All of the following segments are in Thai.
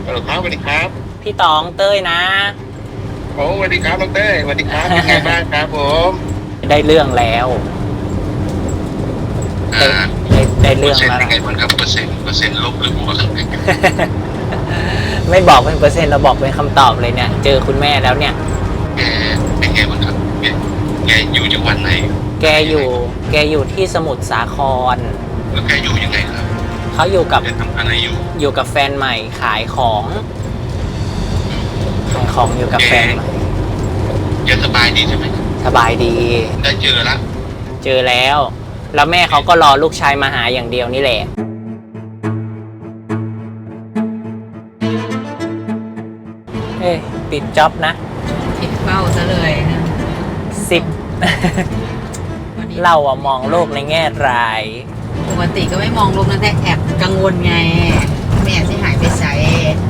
ฮัลโหลครับสวัสดีครับพี่ตองเต้ยนะโอ้สวัสดีครับน้องเต้ยสวัสดีครับเป็นไงบ้างครับผมได้เรื่องแล้วอ่าได้เปอร์เซ็นต์เรื่องแล้วนะเป็นไงบ้างครับเปอร์เซ็นต์ลบหรือบวกไม่บอกเป็นเปอร์เซ็นต์เราบอกเป็นคำตอบเลยเนี่ย เจอคุณแม่แล้วเนี่ยแกเป็นไงบ้างครับแกอยู่จังหวัดไหนแกอยู่แกอยู่ที่สมุทรสาครแล้วแกอยู่ยังไงครับเขาอยู่กับแกทำอะไรอยู่กับแฟนใหม่ขายของอยู่กับแฟนใหม่แกสบายดีใช่ไหมสบายดีได้เจอแล้วเจอแล้ว แล้วแม่เขาก็รอลูกชายมาหาอย่างเดียวนี่แหละเอ้ยปิดจ็อบนะผิดเป้าซะเลยนะ 10 เราอะมองโลกในแง่ร้ายปกติก็ไม่มองลงนะแต่แอบกังวลไงแม่ที่หายไปใส่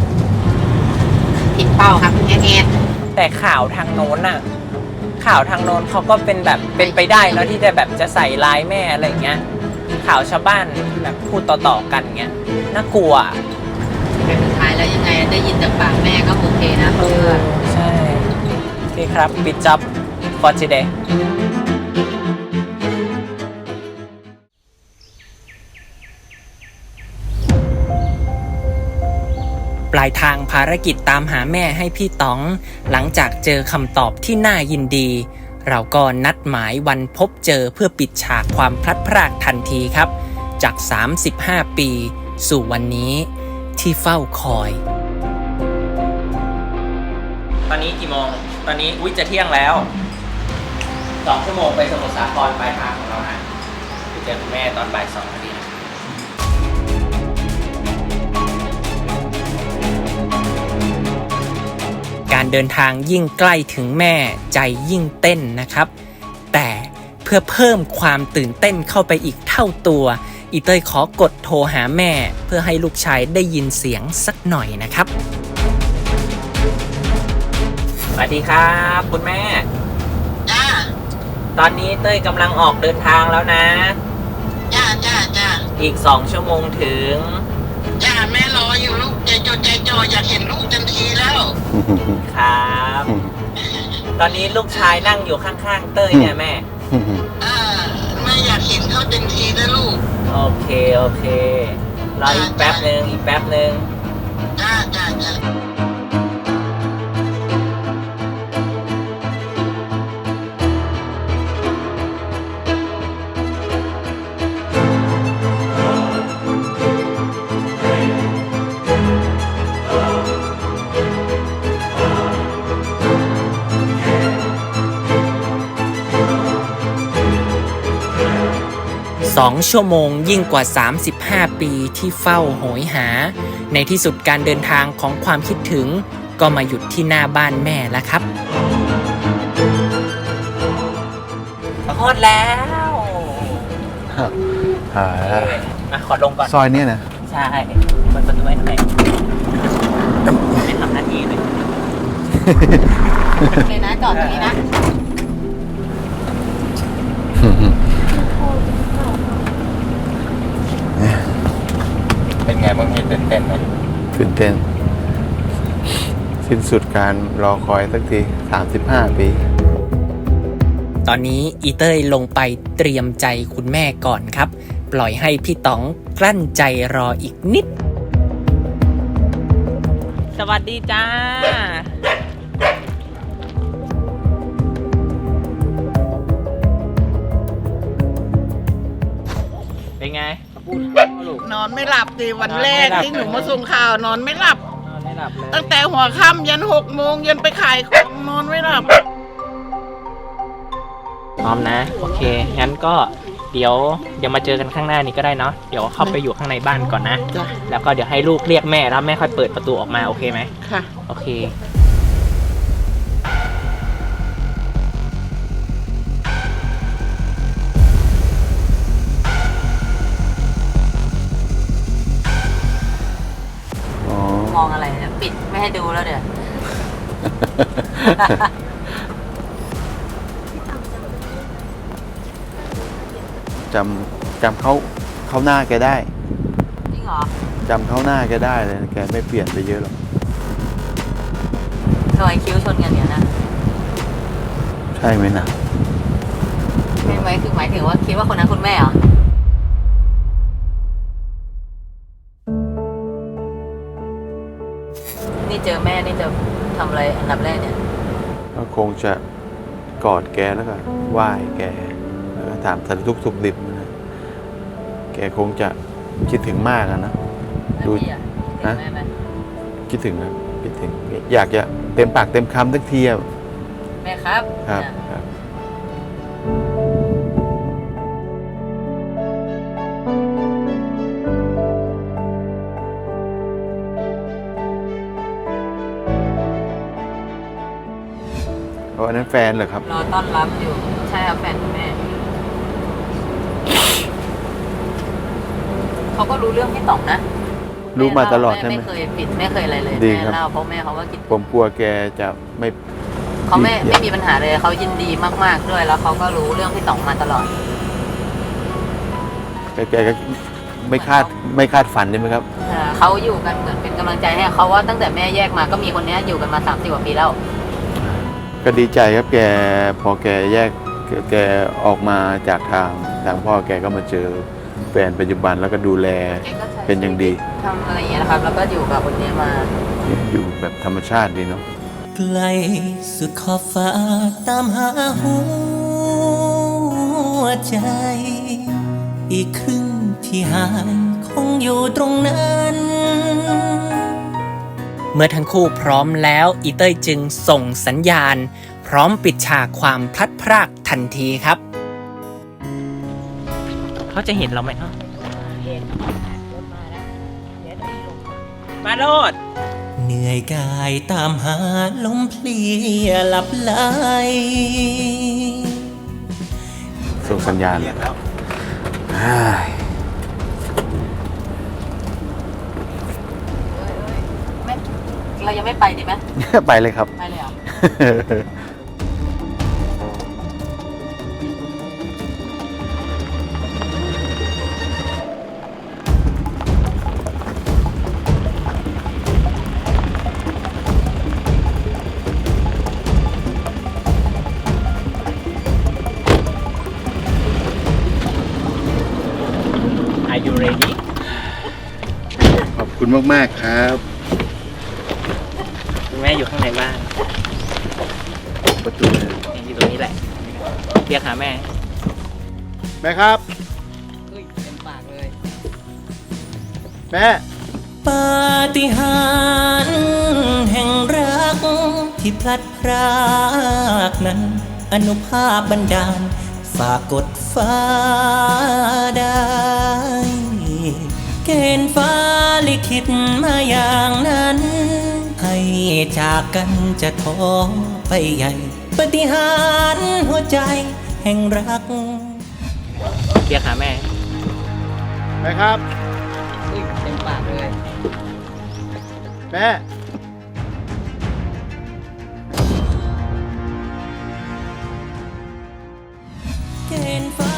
ผิดเป้าครับแง่แต่ข่าวทางโน้นน่ะข่าวทางโน้นเขาก็เป็นแบบเป็นไปได้เนาะที่จะแบบจะใส่ร้ายแม่อะไรเงี้ยข่าวชาวบ้านแบบพูดต่อๆกันเงี้ยน่ากลัวแต่สุดท้ายแล้วยังไงได้ยินจากปากแม่ก็โอเคนะเพื่อนใช่โอเคครับปิดจ็อบ for today ปลายทางภารกิจตามหาแม่ให้พี่ต๋องหลังจากเจอคำตอบที่น่ายินดี เราก็นัดหมายวันพบเจอเพื่อปิดฉากความพลัดพรากทันทีครับจาก35 ปีสู่วันนี้ที่เฝ้าคอยตอนนี้กี่โมงตอนนี้จะเที่ยงแล้ว2 ชั่วโมงไปสมุทรสาครปลายทางของเรานะไปเจอคุณแม่ตอนบ่าย 2 นาทีนะการเดินทางยิ่งใกล้ถึงแม่ใจยิ่งเต้นนะครับแต่เพื่อเพิ่มความตื่นเต้นเข้าไปอีกเท่าตัวอีเต้ยขอกดโทรหาแม่เพื่อให้ลูกชายได้ยินเสียงสักหน่อยนะครับสวัสดีครับคุณแม่จ้าตอนนี้เต้ยกำลังออกเดินทางแล้วนะจ้าอีก2 ชั่วโมงถึงจ้าแม่รออยู่ลูกใจจดใจจ่ออยากเห็นลูกทันทีแล้วครับตอนนี้ลูกชายนั่งอยู่ข้างๆเต้ยเนี่ยแม่แม่อยากเห็นเขาเต็มทีนะลูกโอเครออีกแป๊บนึงจ้า 2 ชั่วโมงยิ่งกว่า35 ปีที่เฝ้าโหยหาในที่สุดการเดินทางของความคิดถึงก็มาหยุดที่หน้าบ้านแม่แล้วครับขอดแล้วมาขอลงก่อนซอยนี้นะใช่เปิดประตูให้หน่อยไม่ทำหน้าที่เลยเลยนะจอดตรงนี้นะเป็นไงบ้างพี่ตื่นเต้นไหมตื่นเต้นสิ้นสุดการรอคอยสักที35 ปีตอนนี้อีเต้ยลงไปเตรียมใจคุณแม่ก่อนครับปล่อยให้พี่ต๋องกลั้นใจรออีกนิดสวัสดีจ้าเป็นไงนอนไม่หลับดิวันแรกที่หนูมาส่งข่าวนอนไม่หลับเลยตั้งแต่หัวค่ำยัน6 โมงยันไปขายของนอนไม่หลับพร้อมนะโอเคงั้นก็เดี๋ยวมาเจอกันข้างหน้านี้ก็ได้เนาะเดี๋ยวเข้าไปอยู่ข้างในบ้านก่อนนะแล้วก็เดี๋ยวให้ลูกเรียกแม่แล้วแม่ค่อยเปิดประตูออกมาโอเคไหมค่ะโอเคมองอะไรนะปิดไม่ให้ดูแล้วเดี๋ยวจำเขาหน้าแกได้จริงเหรอจจำเข้าหน้าแกได้เลยแกไม่เปลี่ยนไปเยอะหรอกรอยคิ้วชนกันเนี่ยนะใช่ไหมนะใช่ไหมคือหมายถึงว่าคิดว่าคนนั้นคุณแม่เหรอ นี่เจอแม่นี่จะทำอะไรอันดับแรกเนี่ยก็คงจะกอดแกแล้วก็ไหว้แกแล้วก็ถามสารทุกข์สุขดิบนะแกคงจะคิดถึงมากอะนะ ดูแล้วพี่อะเห็นแม่ไหมคิดถึงนะคิดถึงอยากจะเต็มปากเต็มคำสักทีอะแม่ครับครับอ่ะครับ เพราะอันนั้นแฟนเหรอครับรอต้อนรับอยู่ ใช่ครับแฟนคุณแม่ เขาก็รู้เรื่องพี่ต่องนะรู้มาตลอดใช่ไหมไม่เคยปิดไม่เคยอะไรเลยดีแม่ครับเล่าเพราะแม่เขาก็กินผมกลัวแกจะไม่เขาไม่มีปัญหาเลยเขายินดีมากๆด้วยแล้วเขาก็รู้เรื่องพี่ต่องมาตลอดแกก็ไม่คาดฝันใช่ไหมครับเขาอยู่กันเหมือนเป็นกำลังใจให้เขาว่าตั้งแต่แม่แยกมาก็มีคนเนี้ยอยู่กันมา30 กว่าปีแล้วก็ดีใจครับแกพอแกแยกแกออกมาจากทางพ่อแกก็มาเจอแฟนปัจจุบันแล้วก็ดูแลแกก็ใช้เป็นอย่างดีทำอะไรอย่างเงี้ยนะครับ แล้วก็อยู่กับคนเนี้ยมาอยู่แบบธรรมชาติดีเนาะไกลสุดขอบฟ้าตามหาหัวใจ อีกครึ่งที่หายคงอยู่ตรงนั้น เมื่อทั้งคู่พร้อมแล้วอีเต้ยจึงส่งสัญญาณ พร้อมปิดฉากความพลัดพรากทันทีครับ เขาจะเห็นเราไหมฮะมาโลดเหนื่อยกายตามหาลมเพลียหลับไหลส่งสัญญาณอ้ายเรายังไม่ไปดีไหมไปเลยครับไปเลยเหรอ Are you ready ขอบคุณมากๆครับคุณแม่อยู่ข้างในบ้านประตูเลยอยู่ตรงนี้แหละเรียกหาแม่แม่ครับเฮ้ยเต็มปากเลยแม่ปาฏิหาริย์แห่งรักที่พลัดพรากนั้น อนุภาพบันดาลฝากกดฟ้าได้ เกณฑ์ฟ้าลิขิตมาอย่างนั้น ให้จากกันจะท้อไปใหญ่ ปาฏิหาริย์หัวใจแห่งรักเรียกหาแม่แม่ครับเฮ้ยเต็มปากเลยแม่เกณฑ์ฟ้า